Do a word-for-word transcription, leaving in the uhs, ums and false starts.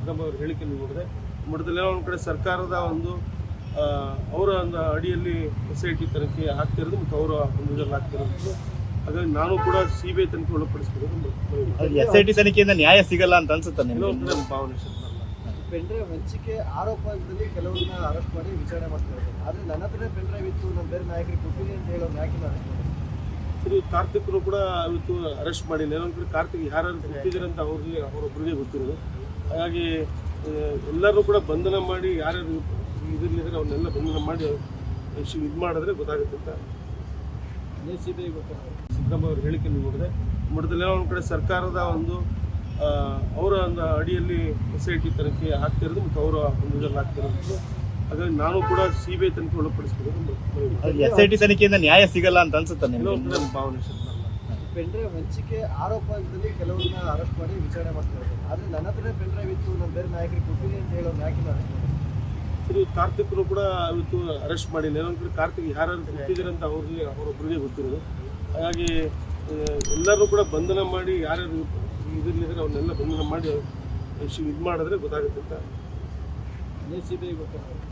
ಸಿದ್ದರಾಮ ಅವರ ಹೇಳಿಕೆಯನ್ನು ನೋಡಿದೆ. ಮಠದಲ್ಲೆಲ್ಲ ಒಂದು ಕಡೆ ಸರ್ಕಾರದ ಒಂದು ಅವರ ಒಂದು ಅಡಿಯಲ್ಲಿ ಎಸ್ ಐ ಟಿ ತನಿಖೆ ಆಗ್ತಿರೋದು ಮತ್ತು ಅವರ ಒಂದು ಇದರಲ್ಲಿ ಆಗ್ತಿರೋದು. ಹಾಗಾಗಿ ನಾನು ಕೂಡ ಸಿ ಬಿ ಐ ತನಿಖೆ ಒಳಪಡಿಸಬೇಕು. ಎಸ್ ಐ ಟಿ ತನಿಖೆಯಿಂದ ನ್ಯಾಯ ಸಿಗಲ್ಲ ಅಂತ ಅನ್ಸುತ್ತೆ ನನ್ನ ಭಾವನೆ. ಪೆನ್ಡ್ರೈವ್ ಹಂಚಿಕೆ ಆರೋಪದಲ್ಲಿ ಕೆಲವರನ್ನ ಅರೆಸ್ಟ್ ಮಾಡಿ ವಿಚಾರಣೆ ಮಾಡ್ತಾರೆ. ಆದರೆ ನನ್ನ ಹತ್ರ ಪೆನ್ಡ್ರೈವ್ ಇತ್ತು, ನಮ್ಮ ಬೇರೆ ನಾಯಕರಿಗೆ ಕೊಟ್ಟಿದ್ದೀನಿ ಅಂತ ಹೇಳೋರು ಯಾಕೆ ಅರೆಸ್ಟ್ ಮಾಡಿ? ಇದು ಕಾರ್ತಿಕ್ರು ಕೂಡ ಇವತ್ತು ಅರೆಸ್ಟ್ ಮಾಡಿಲ್ಲ. ಇನ್ನೊಂದು ಕಡೆ ಕಾರ್ತಿಕ್ ಯಾರು ಕೊಟ್ಟಿದ್ದಾರೆ ಅಂತ ಅವ್ರಿಗೆ ಅವರೊಬ್ಬರಿಗೆ ಗೊತ್ತಿರೋದು. ಹಾಗಾಗಿ ಎಲ್ಲರೂ ಕೂಡ ಬಂಧನ ಮಾಡಿ ಯಾರ್ಯಾರು ಇದರಲ್ಲಿದ್ದಾರೆ ಅವನ್ನೆಲ್ಲ ಬಂಧನ ಮಾಡಿ ಇದು ಮಾಡಿದ್ರೆ ಗೊತ್ತಾಗುತ್ತೆ ಅಂತ ಸಿ ಬಿ ಐ ಗೊತ್ತಾಗ ಸಿದ್ದರಾಮ ಅವರ ಹೇಳಿಕೆಯನ್ನು ನೋಡಿದೆ. ಮಠದಲ್ಲೆಲ್ಲ ಒಂದು ಕಡೆ ಸರ್ಕಾರದ ಒಂದು ಅವರ ಒಂದು ಅಡಿಯಲ್ಲಿ ಎಸ್ ಐ ಟಿ ತನಿಖೆ ಆಗ್ತಿರೋದು ಮತ್ತು ಅವರ ಒಂದು ಇದರಲ್ಲಿ ಆಗ್ತಿರೋದು. ಹಾಗಾಗಿ ನಾನು ಕೂಡ ಸಿ ಬಿ ಐ ತನಿಖೆ ಒಳಪಡಿಸಬೇಕು. ಎಸ್ ಐ ಟಿ ತನಿಖೆಯಿಂದ ನ್ಯಾಯ ಸಿಗಲ್ಲ ಅಂತ ಅನ್ಸುತ್ತೆ ನನ್ನ ಭಾವನೆ. ಪೆನ್ಡ್ರೈವ್ ಹಂಚಿಕೆ ಆರೋಪದಲ್ಲಿ ಕೆಲವರನ್ನ ಅರೆಸ್ಟ್ ಮಾಡಿ ವಿಚಾರಣೆ ಮಾಡ್ತಾರೆ. ಆದರೆ ನನ್ನ ಹತ್ರ ಪೆನ್ಡ್ರೈವ್ ಇತ್ತು, ನಮ್ಮ ಬೇರೆ ನಾಯಕರಿಗೆ ಕೊಟ್ಟಿದ್ದೀನಿ ಅಂತ ಹೇಳೋರು ಯಾಕೆ ಅರೆಸ್ಟ್ ಮಾಡಿ? ಇದು ಕಾರ್ತಿಕ್ರು ಕೂಡ ಇವತ್ತು ಅರೆಸ್ಟ್ ಮಾಡಿಲ್ಲ. ಇನ್ನೊಂದು ಕಡೆ ಕಾರ್ತಿಕ್ ಯಾರು ಕೊಟ್ಟಿದ್ದಾರೆ ಅಂತ ಅವ್ರಿಗೆ ಅವರೊಬ್ಬರಿಗೆ ಗೊತ್ತಿರೋದು. ಹಾಗಾಗಿ ಎಲ್ಲರೂ ಕೂಡ ಬಂಧನ ಮಾಡಿ ಯಾರ್ಯಾರು ಇದರಲ್ಲಿದ್ದಾರೆ ಅವನ್ನೆಲ್ಲ ಬಂಧನ ಮಾಡಿ ಇದು ಮಾಡಿದ್ರೆ ಗೊತ್ತಾಗುತ್ತೆ ಅಂತ ಸಿ ಬಿ ಐ ಗೊತ್ತಾಗ